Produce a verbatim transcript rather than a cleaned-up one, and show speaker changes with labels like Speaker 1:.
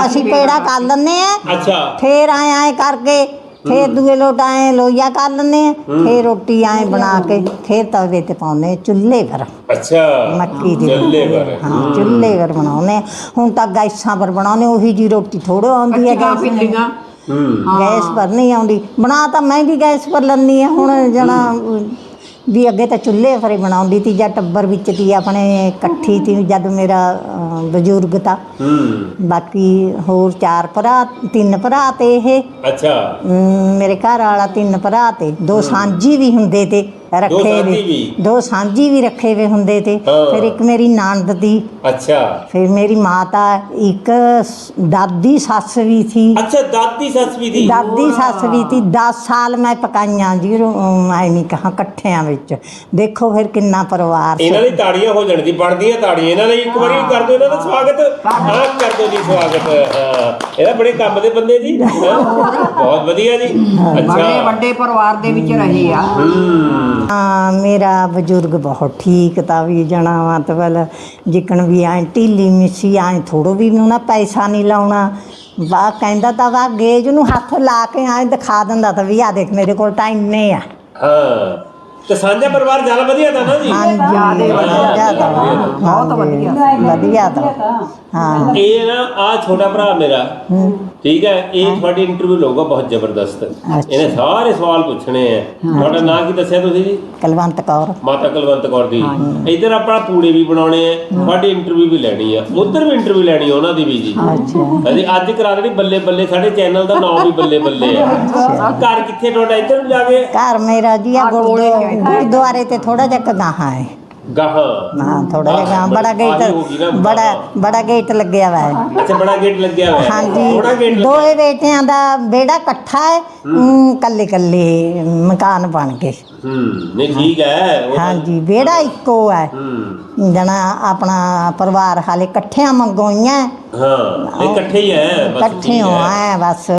Speaker 1: ਅਸੀਂ ਪੇੜਾ ਕਰ ਲੈਂਦੇ ਆ।
Speaker 2: ਅੱਛਾ
Speaker 1: ਫੇਰ ਆਏ ਆਏ ਕਰਕੇ ਫੇਰ ਦੂਏ ਲੋਟ ਆਏ ਲੋਈਆ ਕਰ ਲੈਂਦੇ ਆ। ਫੇਰ ਰੋਟੀ ਆਏ ਬਣਾ ਕੇ ਫੇਰ ਤਵੇ ਤੇ ਪਾਉਂਦੇ ਚੁੱਲ੍ਹੇ ਪਰ।
Speaker 2: ਅੱਛਾ
Speaker 1: ਮੱਕੀ ਦੀ
Speaker 2: ਚੁੱਲ੍ਹੇ ਪਰ।
Speaker 1: ਹਾਂ ਚੁੱਲ੍ਹੇ ਪਰ ਬਣਾਉਂਦੇ। ਹੁਣ ਤਾਂ ਗੈਸਾਂ ਪਰ ਬਣਾਉਂਦੇ, ਉਹੀ ਜੀ ਰੋਟੀ ਥੋੜ੍ਹੀ ਆਉਂਦੀ ਹੈ ਗੈਸ ਗੈਸ ਪਰ ਨਹੀਂ ਆਉਂਦੀ। ਬਣਾ ਤਾਂ ਮੈਂ ਵੀ ਗੈਸ ਪਰ ਲੈਂਦੀ ਹਾਂ। ਹੁਣ ਜਣਾ ਵੀ ਅੱਗੇ ਤਾਂ ਚੁੱਲ੍ਹੇ ਪਰ ਹੀ ਬਣਾਉਂਦੀ ਤੀ ਜਾਂ ਟੱਬਰ ਵਿੱਚ ਤੀ ਆਪਣੇ ਇਕੱਠੀ ਤੀ ਜਦ ਮੇਰਾ ਬਜ਼ੁਰਗ ਤਾਂ। ਬਾਕੀ ਹੋਰ ਚਾਰ ਭਰਾ ਤਿੰਨ ਭਰਾ ਤੇ ਇਹ
Speaker 2: ਅੱਛਾ
Speaker 1: ਮੇਰੇ ਘਰ ਵਾਲਾ ਤਿੰਨ ਭਰਾ ਤੇ ਦੋ ਸਾਂਝੀ ਵੀ ਹੁੰਦੇ ਤੇ ਰੱਖੇ ਵੇ ਦੋ ਸਾਂਝੀ ਵੀ ਰੱਖੇ ਵੇ ਹੁੰਦੇ ਤੇ। ਫਿਰ ਇੱਕ ਮੇਰੀ ਨਣਦ ਤੀ।
Speaker 2: ਅੱਛਾ
Speaker 1: ਫਿਰ ਮੇਰੀ ਮਾਤਾ ਇੱਕ ਦਾਦੀ ਸੱਸ ਵੀ ਸੀ।
Speaker 2: ਅੱਛਾ ਦਾਦੀ ਸੱਸ ਵੀ ਥੀ।
Speaker 1: ਦਾਦੀ ਸੱਸ ਵੀ ਤੀ। ਦਸ ਸਾਲ ਮੈਂ ਪਕਾਈਆਂ ਜੀ ਮੈਂ ਨਹੀਂ ਕਹਾਂ ਇਕੱਠਿਆਂ ਵਿੱਚ। ਦੇਖੋ ਫਿਰ ਕਿੰਨਾ ਪਰਿਵਾਰ ਸੀ।
Speaker 2: ਇਹਨਾਂ ਲਈ ਤਾੜੀਆਂ ਹੋ ਜਾਣ ਦੀ ਬਣਦੀਆਂ ਤਾੜੀਆਂ ਇਹਨਾਂ ਲਈ। ਇੱਕ ਵਾਰੀ ਕਰ ਦਿਓ ਇਹਨਾਂ ਦਾ ਸਵਾਗਤ। ਹਾਂ ਕਰ ਦਿਓ ਜੀ ਸਵਾਗਤ। ਹਾਂ ਇਹਦਾ ਬੜੇ ਕੰਮ ਦੇ ਬੰਦੇ ਜੀ। ਬਹੁਤ ਵਧੀਆ ਜੀ।
Speaker 3: ਬੜੇ ਵੱਡੇ ਪਰਿਵਾਰ ਦੇ ਵਿੱਚ ਰਹੇ ਆ।
Speaker 1: ਹਾਂ ਮੇਰਾ ਬਜ਼ੁਰਗ ਬਹੁਤ ਠੀਕ ਤਾਂ ਵੀ ਜਣਾ ਮਤਲਬ ਜਿੱਕਣ ਵੀ ਐਂ ਢੀਲੀ ਮਿੱਸੀ ਐਂ ਥੋੜ੍ਹਾ ਵੀ ਨਾ ਪੈਸਾ ਨਹੀਂ ਲਾਉਣਾ। ਵਾਹ ਕਹਿੰਦਾ ਤਾਂ ਵਾ ਗੇਜ ਨੂੰ ਹੱਥ ਲਾ ਕੇ ਐਂ ਦਿਖਾ ਦਿੰਦਾ ਤਾਂ ਵੀ ਆ ਦੇਖ ਮੇਰੇ ਕੋਲ ਤਾਂ ਇੰਨੇ ਆ।
Speaker 2: ਹਾਂ ਤੇ ਸਾਂਝਾ ਪਰਿਵਾਰ ਜ਼ਿਆਦਾ ਵਧੀਆ ਤਾਂ ਨਾ ਜੀ।
Speaker 1: ਹਾਂਜੀ ਜ਼ਿਆਦਾ ਬਹੁਤ ਵਧੀਆ ਵਧੀਆ ਤਾਂ ਹਾਂ।
Speaker 2: ਇਹ ਨਾ ਆ ਛੋਟਾ ਭਰਾ ਮੇਰਾ ਠੀਕ ਹੈ, ਇਹ ਤੁਹਾਡੀ ਇੰਟਰਵਿਊ ਲਊਗਾ ਬਹੁਤ ਜ਼ਬਰਦਸਤ। ਇਹਨੇ ਸਾਰੇ ਸਵਾਲ ਪੁੱਛਣੇ ਆ। ਤੁਹਾਡਾ ਨਾਂ ਕੀ ਦੱਸਿਆ ਤੁਸੀਂ ਜੀ?
Speaker 1: ਕੁਲਵੰਤ ਕੌਰ।
Speaker 2: ਮਾਤਾ ਕੁਲਵੰਤ ਕੌਰ ਦੀ। ਇੱਧਰ ਆਪਣਾ ਪੂੜੇ ਵੀ ਬਣਾਉਣੇ ਆ, ਤੁਹਾਡੀ ਇੰਟਰਵਿਊ ਵੀ ਲੈਣੀ ਆ, ਉੱਧਰ ਵੀ ਇੰਟਰਵਿਊ ਲੈਣੀ ਆ ਉਹਨਾਂ ਦੀ ਵੀ ਜੀ। ਹਾਂਜੀ ਅੱਜ ਕਰਾ ਦੇਣੀ ਬੱਲੇ ਬੱਲੇ। ਸਾਡੇ ਚੈਨਲ ਦਾ ਨਾਮ ਵੀ ਬੱਲੇ ਬੱਲੇ ਆ। ਘਰ ਕਿੱਥੇ ਤੁਹਾਡਾ? ਇੱਧਰ ਨੂੰ ਜਾ ਕੇ
Speaker 1: ਘਰ ਮੇਰਾ ਜੀ ਆ ਗੁਰਦੁਆਰੇ ਤੇ ਥੋੜਾ ਜਿਹਾ ਗਾਹਾਂ ਹੈ।
Speaker 2: ਗਾਹਾਂ
Speaker 1: ਹਾਂ ਥੋੜਾ ਜਿਹਾ ਗਾਹਾਂ। ਬੜਾ ਗੇਟ ਬੜਾ ਬੜਾ ਗੇਟ ਲੱਗਿਆ ਵਾ ਹੈ।
Speaker 2: ਅੱਛਾ ਬੜਾ ਗੇਟ ਲੱਗਿਆ ਹੋਇਆ।
Speaker 1: ਹਾਂਜੀ ਦੋਏ ਬੇਟਿਆਂ ਦਾ ਵਿਹੜਾ ਇਕੱਠਾ ਹੈ। ਕੱਲੇ ਕੱਲੇ ਮਕਾਨ ਬਣ ਗਏ।
Speaker 2: ਹੂੰ ਨਹੀਂ ਠੀਕ ਹੈ।
Speaker 1: ਹਾਂਜੀ ਵਿਹੜਾ ਇੱਕੋ ਹੈ। ਜਣਾ ਆਪਣਾ ਪਰਿਵਾਰ ਹਾਲੇ ਇਕੱਠਿਆਂ ਮੰਗੋਈਆਂ।
Speaker 2: ਹਾਂ ਇਕੱਠੇ ਹੀ ਹੈ।
Speaker 1: ਇਕੱਠੇ ਹੋ ਐ ਬਸ।